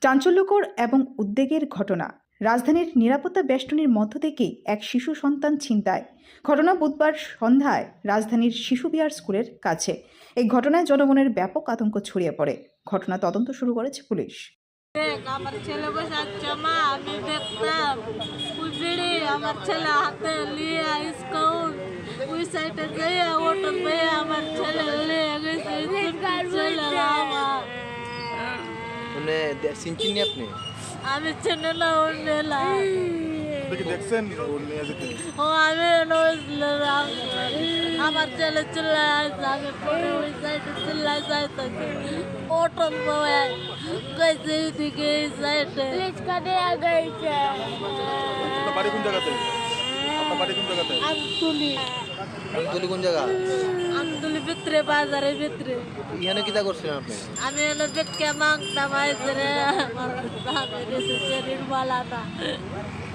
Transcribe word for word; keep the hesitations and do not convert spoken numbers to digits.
চাঞ্চল্যকর এবং উদ্বেগের ঘটনা। রাজধানীর নিরাপত্তা বেষ্টনীর মধ্য থেকেই এক শিশু সন্তান ছিনতাই। ঘটনা বুধবার সন্ধ্যায় রাজধানীর শিশু বিহার স্কুলের কাছে। এই ঘটনায় জনগণের ব্যাপক আতঙ্ক ছড়িয়ে পড়ে। ঘটনা তদন্ত শুরু করেছে পুলিশ। আমার ছেলে বসে আছে, মা আমি দেখতাম ওই বিড়ি আমার ছেলে হাতে নিয়ে স্কুল ওই সাইডে যেয়ে অটো পেয়ে আমার ছেলে নিয়ে গেছে। ছেলে আমার মানে চিনচিনি আপনি আমি চিনি না ওর নেলা দেখছেন ওর নিয়ে যেতে ও আমি নজলাম আমার ছেলে চিল্লায় আছে, আমি পরে ওই সাইডে চিল্লায় যাইতেছি অটো বয়ে গেছে এদিকে এই সাইডে কাটে গেছে। আপনার বাড়ি কোন জায়গাতে? আপনার বাড়ি কোন জায়গাতে? আমতুলি আমতলি কোন জায়গা? আমতুলি ভিতরে বাজারের ভিতরে। এখানে কিতা করছিলেন আপনি? আমি এনে বেটকে মাংতাম আইসে রে আমার দামের এসে শরীর বালাটা